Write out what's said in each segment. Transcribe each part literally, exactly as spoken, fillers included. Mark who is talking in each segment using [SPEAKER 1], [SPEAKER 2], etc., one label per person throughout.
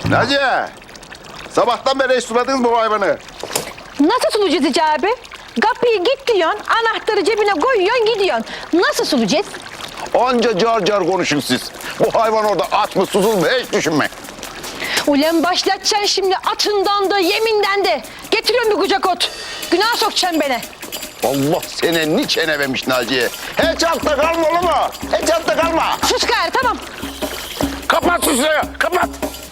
[SPEAKER 1] Naciye, sabahtan beri hiç suladınız mı bu hayvanı?
[SPEAKER 2] Nasıl sulayacağız Hici abi? Kapıyı git diyorsun, anahtarı cebine koyuyorsun, gidiyorsun. Nasıl sulayacağız?
[SPEAKER 1] Onca car car konuşun siz. Bu hayvan orada aç mı susuz mu hiç düşünme.
[SPEAKER 2] Ulan başlatacaksın şimdi atından da yeminden de. Getiriyorum bir kucak ot. Günah sokacaksın beni.
[SPEAKER 1] Allah seni ni çenememiş Naciye. Hiç altta kalma olur mu? Hiç altta kalma.
[SPEAKER 2] Sus gayrı, tamam.
[SPEAKER 1] Kapat susuyu, kapat.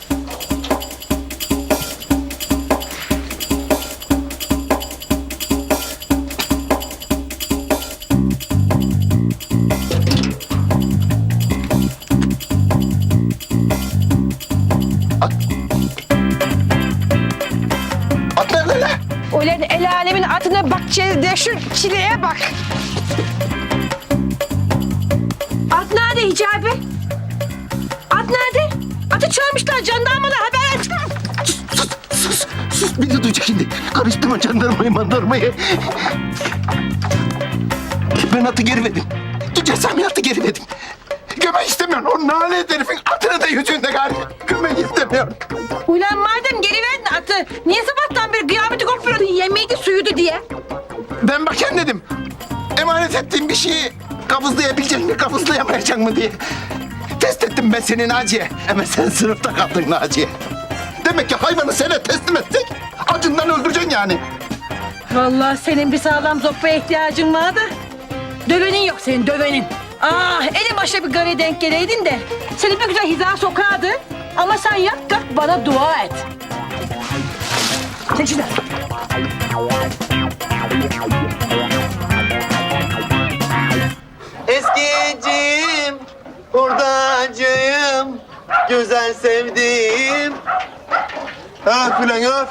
[SPEAKER 1] At. At nerede lan?
[SPEAKER 2] Ulan el alemin atına bakacağız de şu çileye bak. At nerede Hici abi? At nerede? Atı çalmışlar, jandarmalar haber açtı.
[SPEAKER 3] Sus, sus, sus. Beni duyacak şimdi. Karıştırma jandarmayı mandarmayı. Ben atı geri verdim. Duyacağım atı geri verdim. Gömek istemiyorum. O nalet herifin atını da yüzünde galiba. Gömek istemiyorum.
[SPEAKER 2] Ulan madem geri verdin atı, niye sabahtan beri kıyameti koparıyordun, yemeğiydi suyuydu diye?
[SPEAKER 3] Ben bakayım dedim. Emanet ettiğim bir şeyi kabızlayabilecek mi, kabızlayamayacak mı diye. Test ettim ben seni Naciye. Ama sen sınıfta kaldın Naciye. Demek ki hayvanı sana teslim etsek acından öldüreceksin yani.
[SPEAKER 2] Vallahi senin bir sağlam zoppaya ihtiyacın vardı. Dövenin yok senin, dövenin. Ah, ele başa bir garaya denk geleydin de seni bir güzel hiza sokardı. Ama sen yat kalk bana dua et. Çek şunu.
[SPEAKER 4] Eskicim, hurdacıyım, güzel sevdiğim. Öf ulan öf.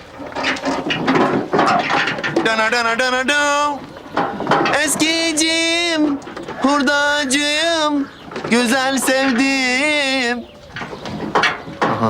[SPEAKER 4] Dana dana dana dana. Eskicim, hurdacıyım, güzel sevdiğim. Aha.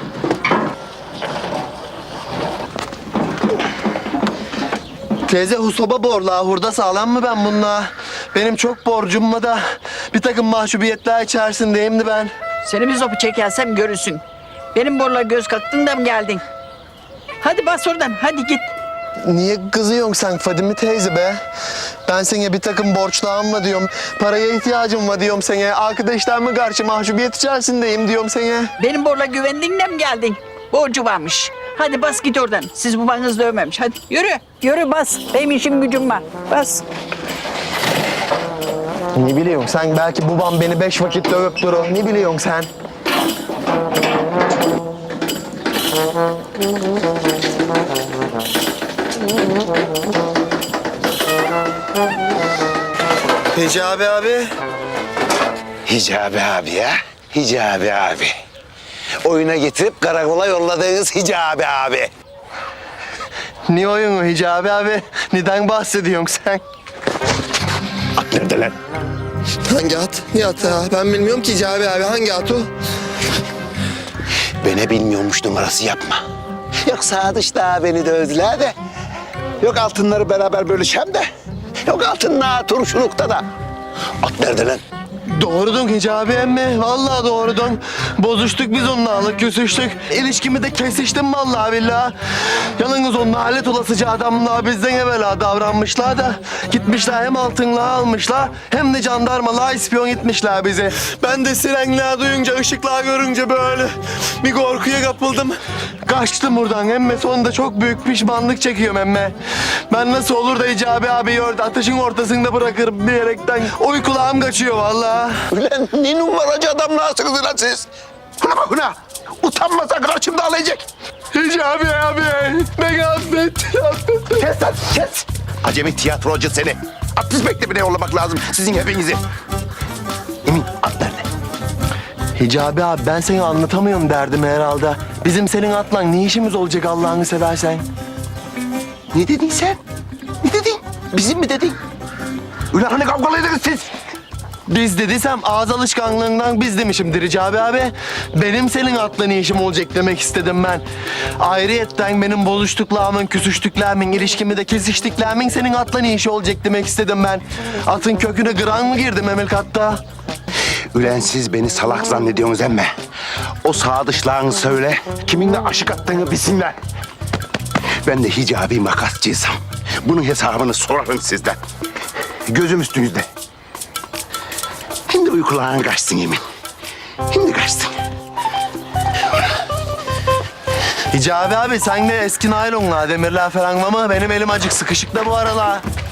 [SPEAKER 4] Teyze husoba borla, hurda sağlam mı ben bununla? Benim çok borcum var da bir takım mahcubiyetler içerisindeyim de ben.
[SPEAKER 5] Seni bir zopu çekersem görürsün. Benim borla göz kattın da mı geldin? Hadi bas oradan, hadi git.
[SPEAKER 4] Niye kızıyorsun sen Fadime teyze be? Ben sana bir takım borçlarım var diyorum. Paraya ihtiyacım var diyorum sana. Arkadaşlarıma karşı mahcubiyet içerisindeyim diyorum sana.
[SPEAKER 5] Benim borla güvendin de mi geldin? Borcu varmış. Hadi bas git oradan. Siz babanız dövmemiş. Hadi yürü, yürü bas. Benim işim gücüm var. Bas.
[SPEAKER 4] Ne biliyorsun sen? Belki babam beni beş vakit dövüp durur. Ne biliyorsun sen? Hicabi abi.
[SPEAKER 6] Hicabi abi ya, Hicabi abi. Oyuna getirip karakola yolladığınız Hicabi abi.
[SPEAKER 4] Ne oyunu Hicabi abi? Neden bahsediyorsun sen?
[SPEAKER 6] At nerede lan?
[SPEAKER 4] Hangi at? Ne atı ha? Ben bilmiyorum ki Hicabi abi. Hangi at o?
[SPEAKER 6] Beni bilmiyormuş numarası yapma. Yok sağ dışta beni dövdüler de. Yok altınları beraber bölüşem de. Yok altınla turşulukta da. At nerede lan?
[SPEAKER 4] Doğrudun Hicabi emmi. Vallahi doğrudun. Bozuştuk biz onunla alık küsüştük. İlişkimi de kesiştim vallahi billahi. Yalnız o nalet olasıca adamlar bizden evvela davranmışlar da gitmişler hem altınla almışlar hem de jandarmalığa ispiyon etmişler bizi. Ben de sirenler duyunca, ışıklar görünce böyle bir korkuya kapıldım. Kaçtım buradan emme. Sonunda çok büyük pişmanlık çekiyorum emme. Ben nasıl olur da Hicabi abi orada ateşin ortasında bırakırım diyerekten uykularım kaçıyor vallahi.
[SPEAKER 6] Ulan ne numaracı adamlarsınız lan siz?
[SPEAKER 3] Buna bak buna. Utanmasa karşımda alacak.
[SPEAKER 4] Hicabi abi beni affet, affet.
[SPEAKER 1] Kes lan, kes. Acemi tiyatrocu seni. Atış mektebine yollamak lazım sizin hepinizi. Emin, at nerede?
[SPEAKER 4] Hicabi abi ben seni anlatamıyorum derdim herhalde. Bizim senin atla ne işimiz olacak Allah'ını seversen?
[SPEAKER 1] Ne dedin sen? Ne dedin? Bizim mi dedin? Ulan hani kavgalıydınız siz?
[SPEAKER 4] Biz dediysem ağız alışkanlığından biz demişimdir Hicabi abi. Benim senin atla ne işim olacak demek istedim ben. Ayrıyetten benim bozuştuklarımın, küsüştüklerimin, ilişkimi de kesiştiklerimin senin atla ne işi olacak demek istedim ben. Atın köküne gıran mı girdim Emel Katta?
[SPEAKER 1] Ülen siz beni salak zannediyorsunuz emme. O sadıçlarını söyle, kiminle aşık attığını bilsinler. Ben de hicabi makasçıysam bunun hesabını sorarım sizden. Gözüm üstünüzde. Şimdi uykuların kaçsın yemin. Şimdi kaçsın.
[SPEAKER 4] Hicabi abi sen de eski naylonla demirler falan ama benim elim acık sıkışık da bu aralar.